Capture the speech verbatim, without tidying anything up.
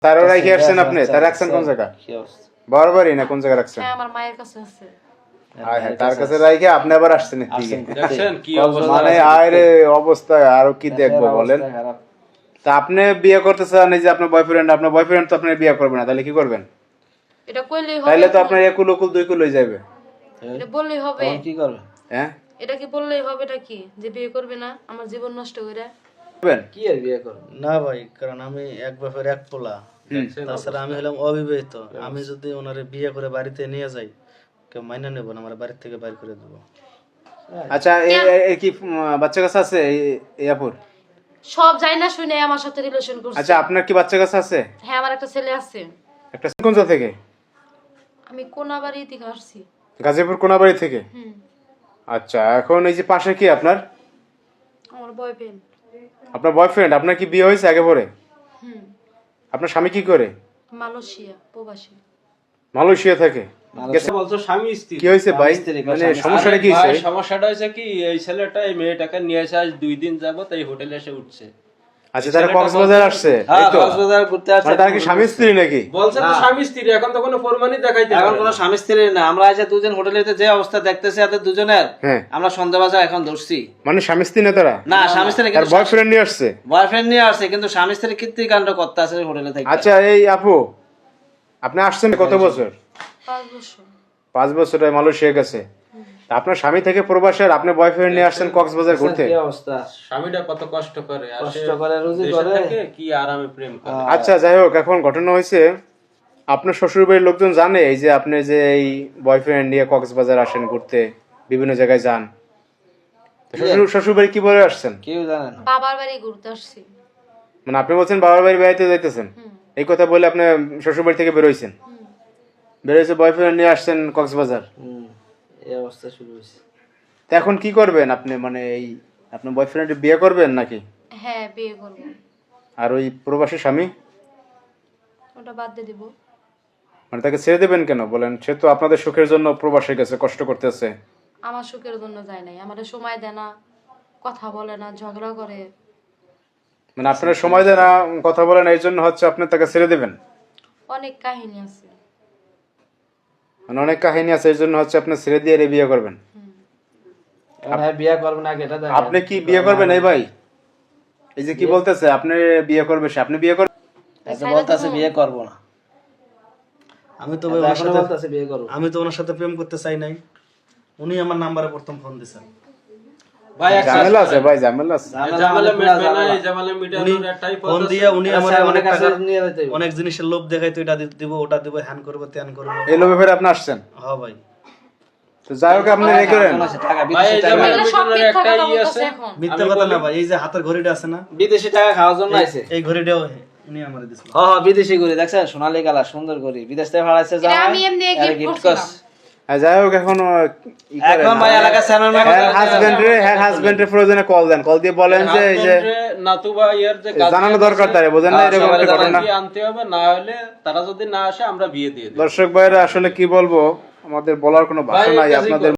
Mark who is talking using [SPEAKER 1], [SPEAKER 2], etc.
[SPEAKER 1] তারও রাখি আসছেন আপনি? তার রাখছেন কোন জায়গা? বরাবরই না কোন জায়গা রাখছেন?
[SPEAKER 2] হ্যাঁ আমার মায়ের কাছে আছে।
[SPEAKER 1] হ্যাঁ হ্যাঁ তার কাছে রাখে আপনি আবার আসছেন এদিকে।
[SPEAKER 3] দেখছেন কি অবস্থা,
[SPEAKER 1] মানে আরে অবস্থা আরো কি দেখবো বলেন? তা আপনি বিয়ে করতে চান এই যে আপনার বয়ফ্রেন্ড, আপনার বয়ফ্রেন্ড তো আপনার বিয়ে করবে না, তাহলে কি করবেন?
[SPEAKER 2] এটা কইলেই হবে?
[SPEAKER 1] তাহলে তো আপনার একুল উকুল দুই কুল হয়ে যাবে।
[SPEAKER 2] এটা বললেই হবে?
[SPEAKER 4] কি করবেন?
[SPEAKER 1] হ্যাঁ
[SPEAKER 2] এটা কি বললেই হবে? এটা কি যে বিয়ে করবে না আমার জীবন নষ্ট করে?
[SPEAKER 1] করবেন
[SPEAKER 4] কি আর বিয়ে করবেন? না ভাই, কারণ আমি এক বাপের এক পোলা, তাছাড়া আমি হলাম অবিবাহিত। আমি যদি ওনারে বিয়ে করে বাড়িতে নিয়ে যাই, কেউ মাইনা নেব না, আমার বাড়ি থেকে বাইর করে দেবো।
[SPEAKER 1] আচ্ছা এই এই কি উম, বাচ্চা কাছে আছে এই- এই আপুর?
[SPEAKER 2] সব যাই না শুনে আমার সাথে রিলেশন করছে।
[SPEAKER 1] আচ্ছা আপনার কি বাচ্চা কাছে আছে?
[SPEAKER 2] হ্যাঁ আমার একটা ছেলে আছে।
[SPEAKER 1] একটা কোন জায়গা থেকে?
[SPEAKER 2] আমি কোনাবাড়ি থেকে আসছি।
[SPEAKER 1] গাজীপুর কোনাবাড়ি থেকে?
[SPEAKER 2] হুম
[SPEAKER 1] আচ্ছা এখন এই যে পাশে কি আপনার?
[SPEAKER 2] আমার বয়ফ্রেন্ড।
[SPEAKER 1] আপনার বয়ফ্রেন্ড? আপনার কি বিয়ে হয়েছে আগে পরে?
[SPEAKER 2] হুম
[SPEAKER 1] আপনার স্বামী কি করে?
[SPEAKER 2] মালয়েশিয়া প্রবাসী।
[SPEAKER 1] মালয়েশিয়া থাকে?
[SPEAKER 3] বলছো স্বামী স্ত্রী।
[SPEAKER 1] কি হয়েছে ভাই? মানে সমস্যাটা কি
[SPEAKER 3] ভাই,
[SPEAKER 1] হয়েছে?
[SPEAKER 3] সমস্যাটা হয়েছে কি, এই ছেলেটা এই মেয়েটাকে নিয়ে এসে আজ দুই দিন যাবত এই হোটেলে এসে উঠছে।
[SPEAKER 1] আচ্ছা তারা কক্সবাজার আসছে?
[SPEAKER 4] হ্যাঁ,
[SPEAKER 1] এই তো?
[SPEAKER 4] কক্সবাজার ঘুরতে আসছে।
[SPEAKER 1] মানে তারা কি স্বামী স্ত্রী নাকি?
[SPEAKER 3] বলছে তো স্বামী স্ত্রী, এখন তো কোনো প্রমাণই দেখাইতে
[SPEAKER 4] এখন
[SPEAKER 3] পারে
[SPEAKER 4] কোনো
[SPEAKER 3] না।
[SPEAKER 4] স্বামী স্ত্রী না, আমরা এসে দুজন হোটেলেতে যে অবস্থা দেখতেছি এদের দুজনের,
[SPEAKER 1] হ্যাঁ
[SPEAKER 4] আমরা সন্দেহবাজার এখন ধরছি।
[SPEAKER 1] মানে স্বামী স্ত্রী না তারা?
[SPEAKER 4] না স্বামী স্ত্রী
[SPEAKER 1] তার
[SPEAKER 4] কিন্তু
[SPEAKER 1] বয়ফ্রেন্ড নিয়ে আসছে?
[SPEAKER 4] বয়ফ্রেন্ড নিয়ে আসছে, কিন্তু স্বামী স্ত্রী কীর্তিকাণ্ড করতে আছে হোটেলে থেকে।
[SPEAKER 1] আচ্ছা এই আপু আপনি আসছেন কত বছর?
[SPEAKER 2] পাঁচ বছর।
[SPEAKER 1] পাঁচ বছর মালয়েশিয়া গেছে। তা আপনার স্বামী থেকে প্রবাসের আপনি বয়ফ্রেন্ড নিয়ে আসছেন কক্সবাজার ঘুরতে?
[SPEAKER 4] কি অবস্থা,
[SPEAKER 3] স্বামীটা কত কষ্ট করে আসে,
[SPEAKER 4] কষ্ট করে রুজি
[SPEAKER 3] দেশে
[SPEAKER 4] করে।
[SPEAKER 3] থেকে কি আরামে প্রেম করে।
[SPEAKER 1] আচ্ছা যাই হোক এখন ঘটনা হয়েছে আপনার শ্বশুর বাড়ির লোকজন জানে এই যে আপনি যে এই বয়ফ্রেন্ড নিয়ে কক্সবাজার আসেন ঘুরতে, বিভিন্ন জায়গায় যান? তো শ্বশুর শ্বশুর বাড়ি কি বলে আসছেন?
[SPEAKER 4] কেউ জানে না।
[SPEAKER 2] বাবার বাড়ি ঘুরতে আসছি।
[SPEAKER 1] মানে আপনি বলছেন বাবার বাড়ি বেড়াইতে যাইতেছেন,
[SPEAKER 2] হুম
[SPEAKER 1] এই কথা বলে আপনি শ্বশুর বাড়ি থেকে বেরোইছেন?
[SPEAKER 2] হুম
[SPEAKER 1] বেরোইছে বয়ফ্রেন্ড নিয়ে আসছেন কক্সবাজার।
[SPEAKER 4] হুম, এই অবস্থা শুরু হয়েছে।
[SPEAKER 1] তা এখন কি করবেন আপনি? মানে এই আপনার বয়ফ্রেন্ড বিয়ে করবেন নাকি?
[SPEAKER 2] হ্যাঁ বিয়ে করবো।
[SPEAKER 1] আর ওই প্রবাসী স্বামী
[SPEAKER 2] ওটা বাদ দিয়ে দিব।
[SPEAKER 1] মানে তাকে ছেড়ে দেবেন কেন বলেন? সে তো আপনাদের সুখের জন্য প্রবাসে গেছে, কষ্ট করতেছে।
[SPEAKER 2] আমার সুখের জন্য যায় নাই, আমাদের সময় দেয় না, কথা বলে না, ঝগড়া করে।
[SPEAKER 1] মানে আপনারা সময় দেন না, কথা বলেন, এই জন্য হচ্ছে আপনি তাকে ছেড়ে দেবেন?
[SPEAKER 2] অনেক কাহিনী আছে।
[SPEAKER 1] মানে অনেক কাহিনী আছে এই জন্য হচ্ছে আপনি ছেড়ে দিয়ে এর বিয়ে করবেন?
[SPEAKER 4] এখন হ্যাঁ বিয়ে করবেন আগে এটা দেখেন।
[SPEAKER 1] আপনি কি বিয়ে করবেন এই ভাই? এই যে কি বলতেছে আপনি বিয়ে করবে, সে আপনি বিয়ে করবেন?
[SPEAKER 4] আচ্ছা বলতাছে বিয়ে করব না। আমি তো ভাই ওনার সাথে বলতাছে বিয়ে করব। আমি তো ওনার সাথে প্রেম করতে চাই নাই, উনি আমার নাম্বারে প্রথম ফোন দিয়েছেন।
[SPEAKER 3] ভাই এক
[SPEAKER 1] ঝামেলা আছে ভাই, ঝামেলা আছে।
[SPEAKER 3] জামালে মিটবে না, এই জামালে মিটানোর একটাই পথ
[SPEAKER 4] ফোন
[SPEAKER 3] আছে।
[SPEAKER 4] দিয়ে উনি আমার অনেক কাছে টাকা নিয়ে যেতে হবে। অনেক জিনিসের লোভ দেখাইতো, এটা দিব ওটা দিব, হ্যান করব ত্যান করব।
[SPEAKER 1] এই লোভে ফেরে আপনি আসছেন?
[SPEAKER 4] হ্যাঁ ভাই,
[SPEAKER 1] তো যাই হোক আপনি এই করেন।
[SPEAKER 4] টাকা
[SPEAKER 3] ভাই
[SPEAKER 4] বিদেশি
[SPEAKER 3] এই
[SPEAKER 4] টাকা,
[SPEAKER 3] জামালে
[SPEAKER 2] এগুলো সব
[SPEAKER 3] মিটানোর
[SPEAKER 2] মিথ্যা
[SPEAKER 3] একটাই
[SPEAKER 2] কথা
[SPEAKER 3] ই
[SPEAKER 2] বলতেছে
[SPEAKER 3] আছে।
[SPEAKER 2] এখন।
[SPEAKER 4] মিথ্যা কথা না ভাই। এই যে হাতের ঘড়িটা আছে না, বিদেশি টাকা খাওয়ার জন্য আইছে। এই ঘড়িটাও উনি আমারে দিছিল।
[SPEAKER 5] হ্যাঁ হ্যাঁ বিদেশি ঘড়ি দেখছেন, সোনালী কালার সুন্দর ঘড়ি, বিদেশ থেকে ভাড়াইছে
[SPEAKER 2] এটা আমি এমনি গিফট করছিলাম।
[SPEAKER 1] আর যাই হোক এখন ই করেন।
[SPEAKER 5] এখন ভাই এলাকা চ্যানেল
[SPEAKER 1] হ্যাঁ হাজবেন্ড রে, হ্যাঁ হাজবেন্ড রে প্রয়োজনে কল দেন, কল দিয়ে বলেন যে এই যে
[SPEAKER 3] নাতুবা ইয়ার যে কাজ
[SPEAKER 1] জানানো দরকার তারে, বোঝেন না এরকম একটা ঘটনা।
[SPEAKER 3] কি আনতে হবে, না হলে তারা যদি না আসে আমরা বিয়ে দিয়ে দেব।
[SPEAKER 1] দর্শক ভাইরা আসলে কি বলবো, আমাদের বলার কোনো ভাষা
[SPEAKER 3] ভাই,
[SPEAKER 1] নাই
[SPEAKER 3] কাজই
[SPEAKER 1] আপনাদের।